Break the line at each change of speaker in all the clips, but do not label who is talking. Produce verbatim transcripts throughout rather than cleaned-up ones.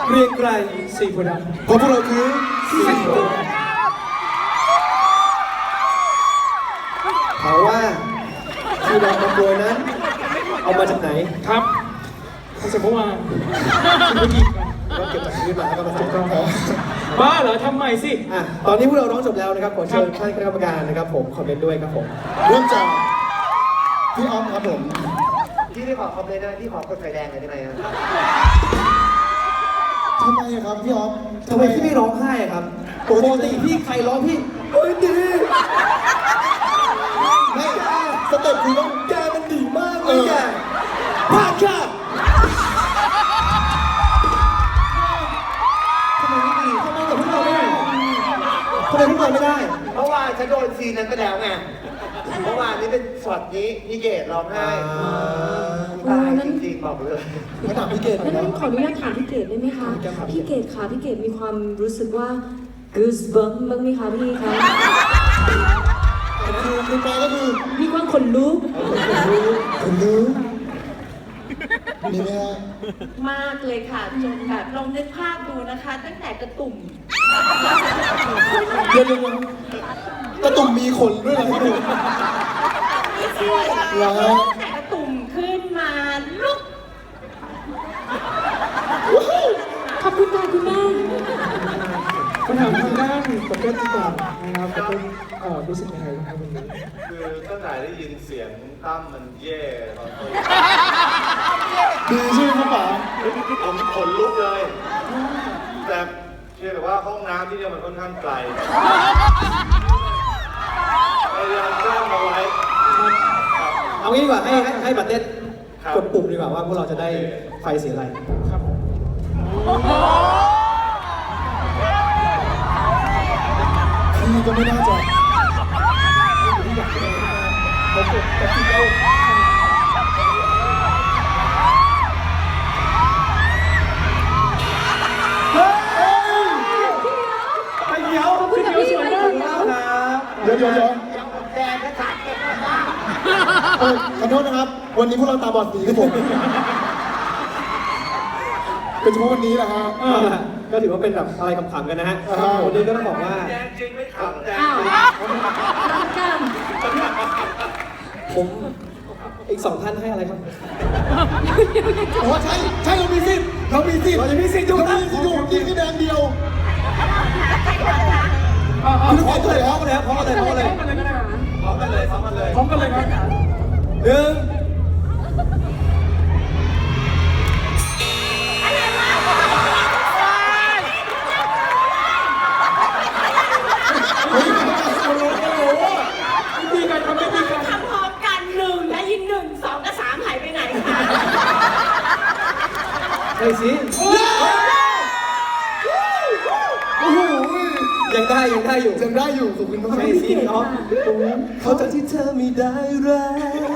เรียงไกรสีโพธิ์ดำเพราะพวกเราคือสีโพธิ์ถามว่าที่เรามาโปรยนั้นเอามาจากไหนครับมาจากเมื่อวานเมื่อกี้เราเก็บจากพื้นมาแล้วก็มาจุดกล้องบ้าเหรอทำใหม่สิอ่ะตอนนี้พวกเราร้องจบแล้วนะครับขอเชิญท่านคณะกรรมการนะครับผมคอมเมนต์ด้วยครับผมเริ่มจากพี่ออฟครับผมพี่ได้ขอคอมเมนต์นะพี่ขอกดไฟแดงเลยได้ไหมครับทำไมครับพี่ออฟทำไมพี่ไม่ร้องไห้ครับปกติพี่ใครร้องพี่เฮ้ยดีไม่สเต็ปคือต้องแกมันดีมากเลยแกพลาดค่ะทำไมไม่ดีทำไมกับพวกเราไม่ได้ทำไมพวกเราไม่ได้เพราะว่าฉันโดนซีนนั้นไปแล้วไงเมื่อวานนี้เป็นช็อตนี้พี่เกดร้องไห้ตายจริงๆบอกเลยไม่ถามพี่เกด
งั้นขออนุญาตถามพี่เกดได้ไหมคะพี่เกดคะพี่เกดมีความรู้สึกว่า goosebumps บ้างไหมคะพี่คะ
คือคือแปลก็คือ
มีความขนลุก
ขนลุกขนลุกมีไหมฮะ
มากเลยค่ะจนแบบลองนึกภาพดูนะคะตั้งแต่กระตุ่ม
เดี๋ยวกระตุ่มมีขนด้วยเหรอพี่ดู
ตั้งแต่กระตุ่มขึ้นมาลุก
ขอบคุณค่ะคุณแม่
คำถามทางด้านประเภทที่ก่อนนะครับประเภทรู้สึกยังไงครับวันนี้
คือตั้งแต่ได้ยินเสียงตั้มมันเย่ตอนต้น
ดีใช่ไหมครับป๋า
ผมขนลุกเลยแต่เชื่อว่าห้องน้ำที่นี่มันค่อนข้างไกลพยายามสร้างเอาไว้
เอางี้ดีกว่าให้ให้ให้บัตเต้กดปุ่มดีกว่าว่าพวกเราจะได้ไฟสีอะไรครับพี่ก็ไม่น่าจะเขากดกดติดเอาเดี๋ยวพี่เดี๋ยวสวยมากครับเดี๋ยวเดี๋ยวเดี๋ยวแดงก็ขาดเก็บมาเออขอโทษนะครับวันนี้พวกเราตาบอดสีครับผมเป็นเฉพาะวันนี้แหละฮะก็ถือว่าเป็นแบบอะไรขำๆกันนะฮะวันนี้ก็ต้องบอกว่า
แดงจริงไม่ขำแดง
ผมอีกสองท่านให้อะไรครับโอ้ใช่ใช่เรามีสิทธิ์เรามีสิทธิ์เราจะมีสิทธิ์อยู่นะอยู่กินแค่แดงเดียวพร้อมกันเลยพร้อมกันเลยพร้อมกันเลยพร้อมกันเลย
พร้อมกันเลยพร้อมกันเลย
พร้อมกันเลยครับหนึ่ง
ทำพร้อมกันหนึ่งได้ยินหนึ่งสองกับสามหายไปไหนคะ
ไอ้สิโอ้โหยังได้ยังได้อยู่ยังได้อยู่ขอบคุณมากไอ้สิเนาะเขาจะที่เธอไม่ได้รัก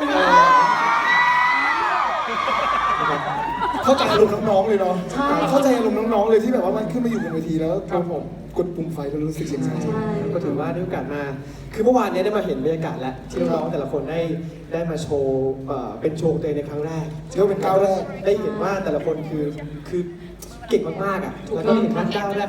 เข้าใจอารมณ์น้องๆเลยเนาะเข้าใจอารมณ์น้องๆเลยที่แบบว่ามันขึ้นมาอยู่บนเวทีแล้วครับผมกดปุ่มไฟแล้วรู้สึกยังไงก็ถือว่าได้โอกาสมาคือเมื่อวานนี้ได้มาเห็นบรรยากาศแล้วที่น้องแต่ละคนได้ได้มาโชว์เป็นโชว์ตัวเองในครั้งแรกเชื่อเป็นก้าวแรกได้เห็นว่าแต่ละคนคือคือเก่งมากๆอ่ะแล้วก็เห็นว่าก้าวแรก